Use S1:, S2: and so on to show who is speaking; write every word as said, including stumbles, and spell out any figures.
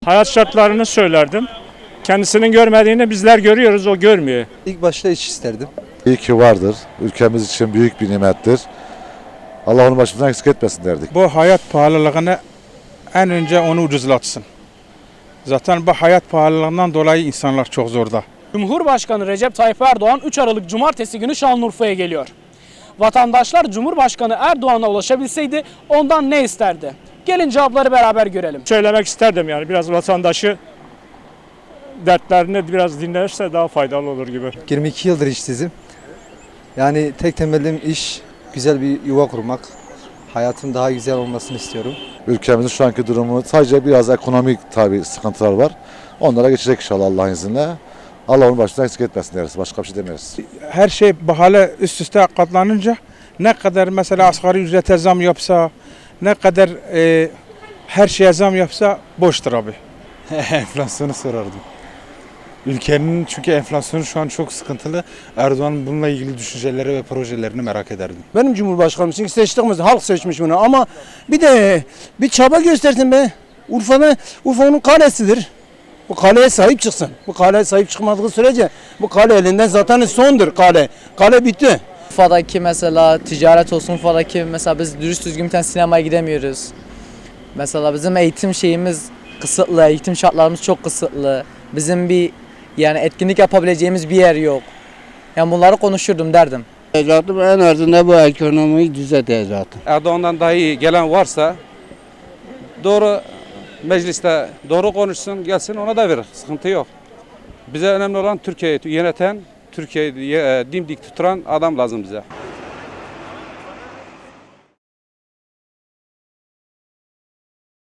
S1: Hayat şartlarını söylerdim. Kendisinin görmediğini bizler görüyoruz, o görmüyor.
S2: İlk başta iş isterdim.
S3: İyi ki vardır. Ülkemiz için büyük bir nimettir. Allah onu başımızdan eksik etmesin derdik.
S4: Bu hayat pahalılığını en önce onu ucuzlatsın. Zaten bu hayat pahalılığından dolayı insanlar çok zorda.
S5: Cumhurbaşkanı Recep Tayyip Erdoğan üç Aralık Cumartesi günü Şanlıurfa'ya geliyor. Vatandaşlar Cumhurbaşkanı Erdoğan'a ulaşabilseydi ondan ne isterdi? Gelin cevapları beraber görelim.
S1: Söylemek isterdim yani biraz vatandaşı dertlerini biraz dinlerse daha faydalı olur gibi.
S2: yirmi iki yıldır işsizim. Yani tek temelim iş, güzel bir yuva kurmak. Hayatın daha güzel olmasını istiyorum.
S3: Ülkemizin şu anki durumu sadece biraz ekonomik tabii sıkıntılar var. Onlara geçecek inşallah Allah'ın izniyle. Allah onu başımızdan eksik etmesin deriz. Başka bir şey demiyoruz.
S4: Her şey pahalı üst üste katlanınca ne kadar mesela asgari ücrete zam yapsa, ne kadar e, her şeye zam yapsa boştur abi.
S6: Enflasyonu sorardım. Ülkenin çünkü enflasyonu şu an çok sıkıntılı. Erdoğan bununla ilgili düşünceleri ve projelerini merak ederdim.
S7: Benim Cumhurbaşkanım çünkü seçtiğimiz halk seçmiş bunu ama bir de bir çaba göstersin be. Urfa'da Urfa onun kalesidir. Bu kaleye sahip çıksın. Bu kaleye sahip çıkmadığı sürece bu kale elinden zaten sondur kale. Kale bitti.
S8: Urfa'daki mesela ticaret olsun, Urfa'daki mesela biz dürüst düzgün bir tane sinemaya gidemiyoruz. Mesela bizim eğitim şeyimiz kısıtlı, eğitim şartlarımız çok kısıtlı. Bizim bir yani etkinlik yapabileceğimiz bir yer yok. Yani bunları konuşurdum derdim.
S9: Zaten en azından bu ekonomiyi düzelteceğim.
S10: Erdoğan'dan daha iyi gelen varsa doğru mecliste doğru konuşsun, gelsin ona da verir. Sıkıntı yok. Bize önemli olan Türkiye'yi yöneten, Türkiye'yi dimdik tuturan adam lazım bize.